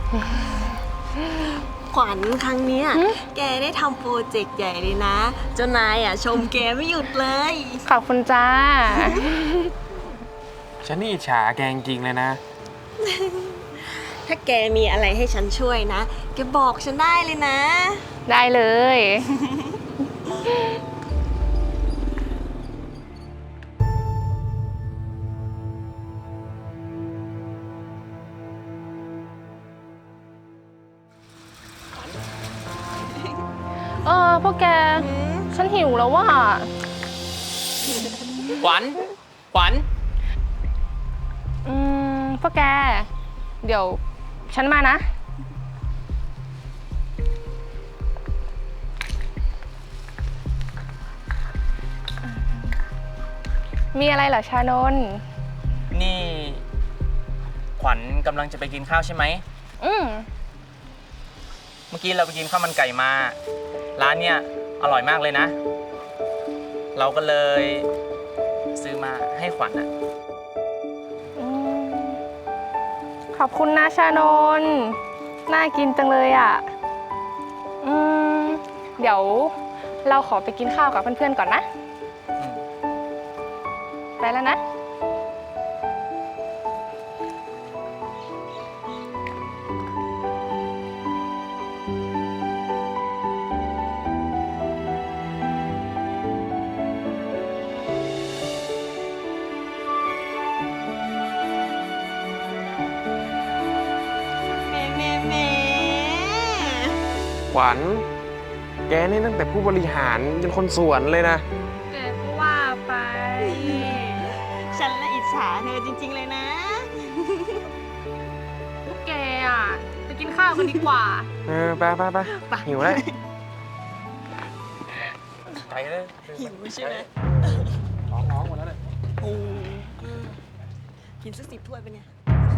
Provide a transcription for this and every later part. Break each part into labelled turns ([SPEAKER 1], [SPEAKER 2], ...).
[SPEAKER 1] ขวัญครั้งเนี้ยแกได้ทำโปรเจกต์ใหญ่เลยนะเจ้านายชมแกไม่หยุดเลย
[SPEAKER 2] ขอบคุณจ้า
[SPEAKER 3] ฉันนี่อิจฉาแกจริงๆเลยนะ
[SPEAKER 1] ถ้าแกมีอะไรให้ฉันช่วยนะแกบอกฉันได้เลยนะ
[SPEAKER 2] ได้เลย พวกแก ฉันหิวแล้วว่ะ
[SPEAKER 4] ขวัญ ขวัญ
[SPEAKER 2] พวกแก เดี๋ยวฉันมานะ มีอะไรเหรอชานนท์
[SPEAKER 4] นี่ ขวัญกำลังจะไปกินข้าวใช่ไหม เมื่อกี้เราไปกินข้าวมันไก่มา ร้านเนี้ยอร่อยมากเลยนะ เราก็เลยซื้อมาให้ขวัญอะ
[SPEAKER 2] ขอบคุณนะชานนท์น่ากินจังเลยอ่ะ เดี๋ยวเราขอไปกินข้าวกับเพื่อนๆก่อนนะ ไปแล้วนะ
[SPEAKER 1] แม่
[SPEAKER 3] ขวัญ แกนี่ตั้งแต่ผู้บริหารจนคนสวนเลยนะ
[SPEAKER 2] แกก็ว่าไป
[SPEAKER 1] ฉันละอิจฉาเธอจริงๆเลยนะ
[SPEAKER 2] พวกแกอ่ะ ไปกินข้าวกันดีกว่า
[SPEAKER 3] ไปหิวแล้ว ไปเลย
[SPEAKER 1] หิวใช่ไหม
[SPEAKER 3] ร้องหมดแล้วเลย
[SPEAKER 1] โอ้กินสัก10 ถ้วยไปเนี่ย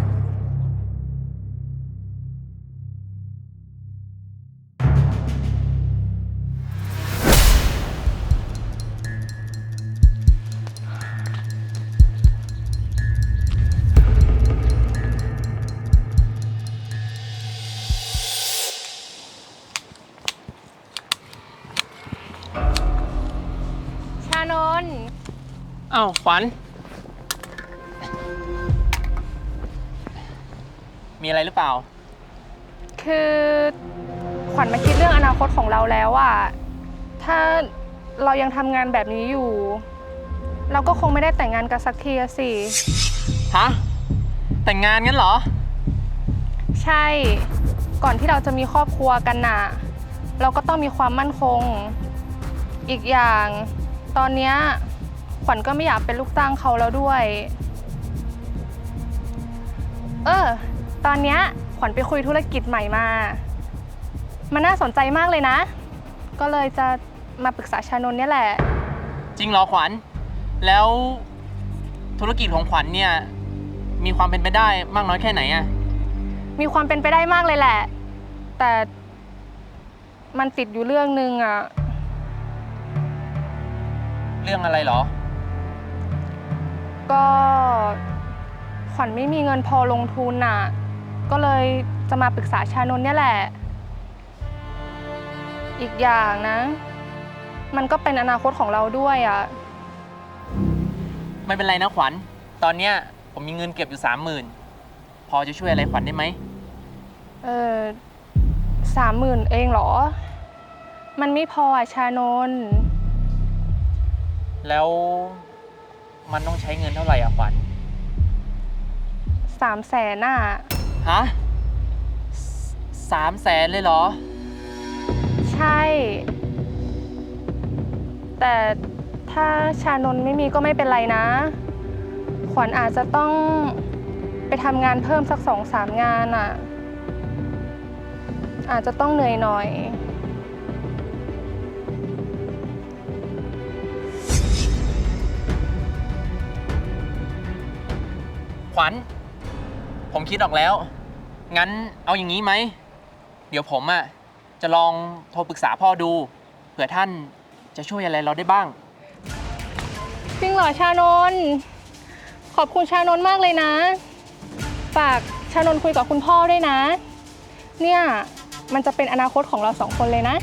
[SPEAKER 2] ชานนท์
[SPEAKER 4] อ้าว ขวัญ มีอะไรหรือเปล่า
[SPEAKER 2] คือขวัญมาคิดเรื่องอนาคตของเราแล้วอ่ะ ถ้าเรายังทำงานแบบนี้อยู่ เราก็คงไม่ได้แต่งงานกันสักทีอะสิ
[SPEAKER 4] ฮะ แต่งงานงั้นเหรอ
[SPEAKER 2] ใช่ ก่อนที่เราจะมีครอบครัวกันน่ะ เราก็ต้องมีความมั่นคง อีกอย่าง ตอนเนี้ยขวัญก็ไม่อยากเป็นลูกจ้างเขาแล้วด้วย ตอนเนี้ยขวัญไปคุยธุรกิจใหม่มา มันน่าสนใจมากเลยนะ ก็เลยจะมาปรึกษาชานนท์เนี่ยแหละ
[SPEAKER 4] จริงเหรอขวัญ แล้วธุรกิจของขวัญเนี่ยมีความเป็นไปได้มากน้อยแค่ไหนอะ
[SPEAKER 2] มีความเป็นไปได้มากเลยแหละ แต่มันติดอยู่เรื่องนึงอ่ะ
[SPEAKER 4] เรื่องอะไรเหรอ
[SPEAKER 2] ก็ขวัญไม่มีเงินพอลงทุนน่ะ ก็เลยจะมาปรึกษาชานนท์เนี่ยแหละ อีกอย่างนะ มันก็เป็นอนาคตของเราด้วยอ่ะ
[SPEAKER 4] ไม่เป็นไรนะขวัญ ตอนเนี้ยผมมีเงินเก็บอยู่30,000 พอจะช่วยอะไรขวัญได้ไหม
[SPEAKER 2] 30,000เองเหรอ มันไม่พออ่ะชานนท์
[SPEAKER 4] แล้วมันต้องใช้เงินเท่าไหร่อะขวัญ
[SPEAKER 2] 300,000น่ะ
[SPEAKER 4] ฮะ300,000เลยเหรอ
[SPEAKER 2] ใช่ แต่ถ้าชานนท์ไม่มีก็ไม่เป็นไรนะ ขวัญอาจจะต้องไปทำงานเพิ่มสัก2-3 งานอ่ะ อาจจะต้องเหนื่อยหน่อย
[SPEAKER 4] ขวัญ ผมคิดออกแล้ว งั้นเอาอย่างนี้ไหม เดี๋ยวผมอะจะลองโทรปรึกษาพ่อดู เผื่อท่านจะช่วยอะไรเราได้บ้าง
[SPEAKER 2] จริงเหรอชานนท์ขอบคุณชานนท์มากเลยนะ ฝากชานนท์คุยกับคุณพ่อด้วยนะเนี่ยมันจะเป็นอนาคตของเรา2 คนเลยนะ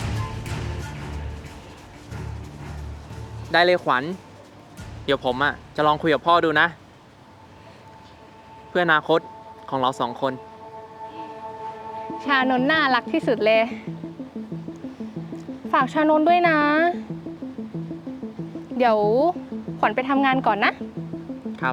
[SPEAKER 4] ได้เลยขวัญ เดี๋ยวผมจะลองคุยกับพ่อดูนะ เพื่ออนาคตของเรา2 คน
[SPEAKER 2] ชานนท์น่ารักที่สุดเลย ฝากชานนท์ด้วยนะ เดี๋ยวขวัญไปทำงานก่อนนะ
[SPEAKER 4] ครับ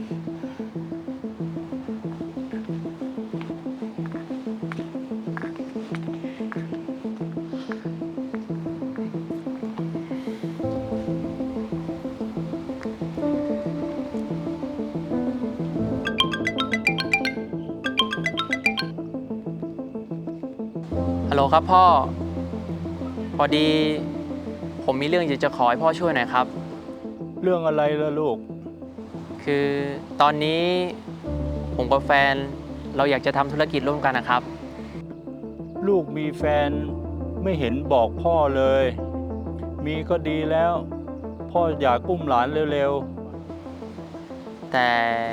[SPEAKER 4] ฮัลโหลครับพ่อ พอดีผมมีเรื่องอยากจะขอให้พ่อช่วยหน่อยครับ
[SPEAKER 5] เรื่องอะไรล่ะลูก
[SPEAKER 4] คือตอนนี้ผมกับแฟนเราอยากจะทำธุรกิจร่วมกันนะครับ
[SPEAKER 5] ลูกมีแฟนไม่เห็นบอกพ่อเลย มีก็ดีแล้ว พ่ออยากอุ้มหลานเร็ว
[SPEAKER 4] แต่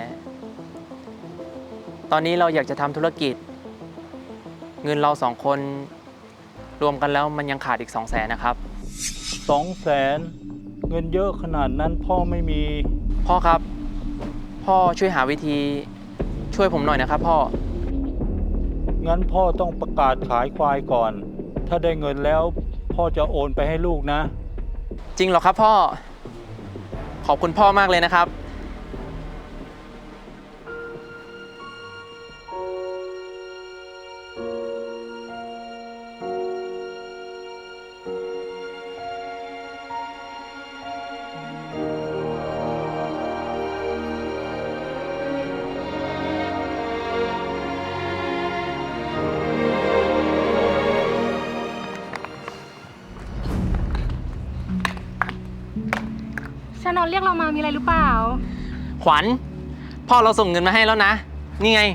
[SPEAKER 4] ตอนนี้เราอยากจะทำธุรกิจ เงินเรา2 คนรวมกันแล้วมันยังขาดอีก200,000นะครับ
[SPEAKER 5] ๆ200,000 เงินเยอะขนาดนั้นพ่อไม่มี
[SPEAKER 4] พ่อครับ พ่อช่วยหาวิธีช่วยผมหน่อยนะครับพ่อ
[SPEAKER 5] งั้นพ่อต้องประกาศขายควายก่อน ถ้าได้เงินแล้วพ่อจะโอนไปให้ลูกนะ
[SPEAKER 4] จริงเหรอครับพ่อ ขอบคุณพ่อมากเลยนะครับ
[SPEAKER 2] ชานนท์เรียกเรามามีอะไรหรือเปล่า
[SPEAKER 4] ขวัญ พ่อเราส่งเงินมาให้แล้วนะ นี่ไง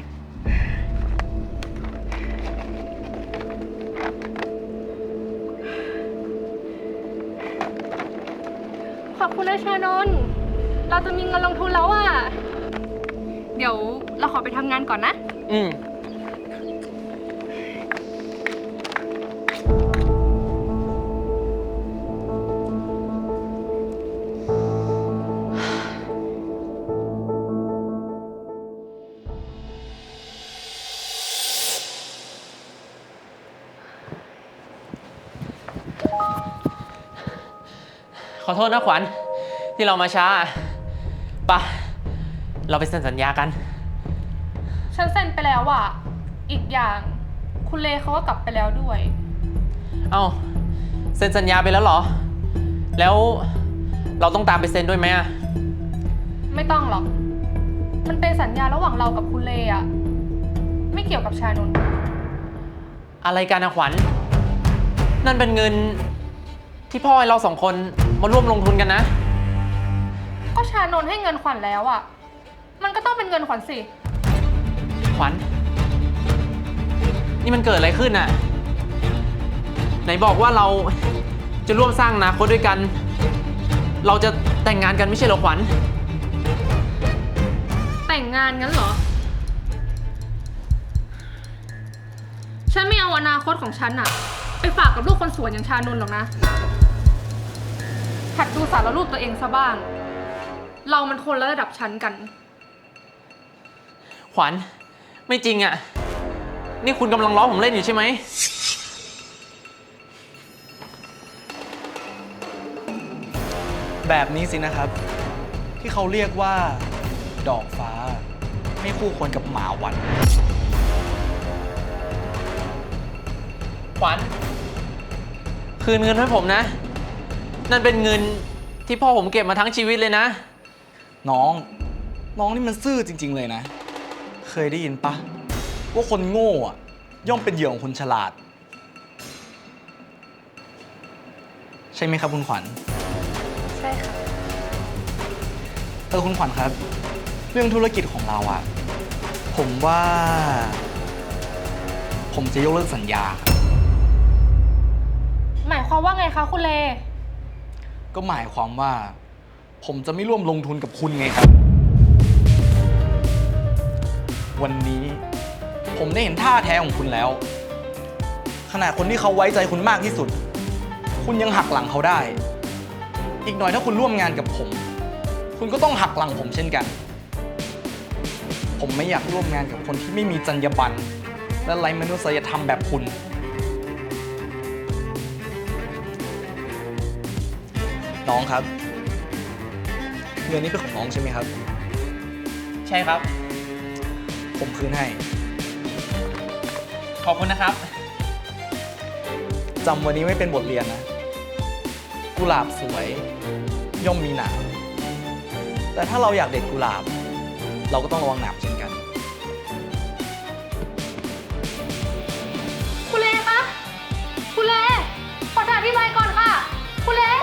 [SPEAKER 2] ขอบคุณนะชานนท์เราจะมีเงินลงทุนแล้วอะเดี๋ยวเราขอไปทำงานก่อนนะ
[SPEAKER 4] อืม ขอโทษนะขวัญที่เรามาช้าปะเราไปเซ็นสัญญากัน
[SPEAKER 2] ฉันเซ็นไปแล้วอะอีกอย่างคุณเลเขาก็กลับไปแล้วด้วย
[SPEAKER 4] เอ้าเซ็นสัญญาไปแล้วเหรอ แล้วเราต้องตามไปเซ็นด้วยไหมอะ
[SPEAKER 2] ไม่ต้องหรอก มันเป็นสัญญาระหว่างเรากับคุณเลอะไม่เกี่ยวกับชานนท์
[SPEAKER 4] อะไรกันนะขวัญ นั่นเป็นเงินที่พ่อให้เรา2 คนมาร่วมลงทุนกันนะ
[SPEAKER 2] ก็ชานนท์ให้เงินขวัญแล้วอะมันก็ต้องเป็นเงินขวัญสิ
[SPEAKER 4] ขวัญ นี่มันเกิดอะไรขึ้นน่ะ ไหนบอกว่าเราจะร่วมสร้างอนาคตด้วยกัน เราจะแต่งงานกันไม่ใช่เหรอขวัญ
[SPEAKER 2] แต่งงานงั้นเหรอ ฉันไม่เอาอนาคตของฉันอะไปฝากกับลูกคนสวนอย่างชานนท์หรอกนะหัดดูสารรูปตัวเองซะบ้าง เรามันคนละระดับชั้นกัน
[SPEAKER 4] ขวัญ ไม่จริงอ่ะ นี่คุณกำลังล้อผมเล่นอยู่ใช่ไหม
[SPEAKER 6] แบบนี้สินะครับ ที่เขาเรียกว่า ดอกฟ้า ไม่คู่ควรกับหมาหวัน
[SPEAKER 4] ขวัญ คืนเงินให้ผมนะ นั่นเป็นเงินที่พ่อผมเก็บมาทั้งชีวิตเลยนะ
[SPEAKER 6] น้องนี่มันซื่อจริง ๆ เลยนะ เคยได้ยินปะว่าคนโง่อะย่อมเป็นเหยื่อของคนฉลาด ใช่ไหมครับคุณขวัญ
[SPEAKER 2] ใช่ค่ะ
[SPEAKER 6] คุณขวัญครับ เรื่องธุรกิจของเราอะผมว่า ผมจะยกเลิกสัญญา
[SPEAKER 2] หมายความว่าไงคะคุณเล
[SPEAKER 6] ก็หมายความว่า ผมจะไม่ร่วมลงทุนกับคุณไงครับ วันนี้ผมได้เห็นท่าแท้ของคุณแล้วขนาดคนที่เขาไว้ใจคุณมากที่สุด คุณยังหักหลังเขาได้ อีกหน่อยถ้าคุณร่วมงานกับผม คุณก็ต้องหักหลังผมเช่นกัน ผมไม่อยากร่วมงานกับคนที่ไม่มีจรรยาบรรณและไร้มนุษยธรรมแบบคุณ น้องครับ เงินนี้เป็นของน้องใช่ไหมครับ
[SPEAKER 4] ใช่ครับ
[SPEAKER 6] ผมคืนให้
[SPEAKER 4] ขอบคุณนะครับ
[SPEAKER 6] จำวันนี้ไม่เป็นบทเรียนนะ กุหลาบสวย ย่อมมีหนามแต่ถ้าเราอยากเด็ดกุหลาบ เราก็ต้องระวังหนามเช่นกัน
[SPEAKER 2] คุณเลคะ คุณเลขอถามพี่ไม้ก่อนค่ะ คุณเล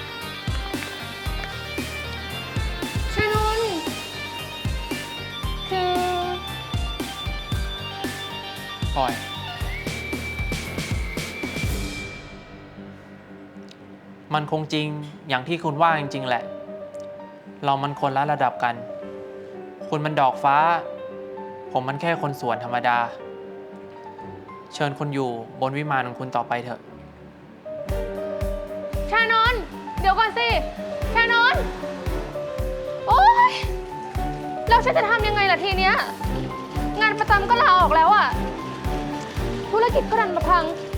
[SPEAKER 2] ชนนคือ
[SPEAKER 4] ปล่อย มันคงจริงอย่างที่คุณว่าจริงๆแหละ เรามันคนละระดับกัน คุณมันดอกฟ้า ผมมันแค่คนสวนธรรมดา เชิญคุณอยู่บนวิมานของคุณต่อไปเถอะ
[SPEAKER 2] ชานนท์เดี๋ยวก่อนสิ ชานนท์โอ๊ยแล้วฉันจะทำยังไงล่ะทีเนี้ย งานประจำก็ลาออกแล้วอะธุรกิจก็ดันมาพัง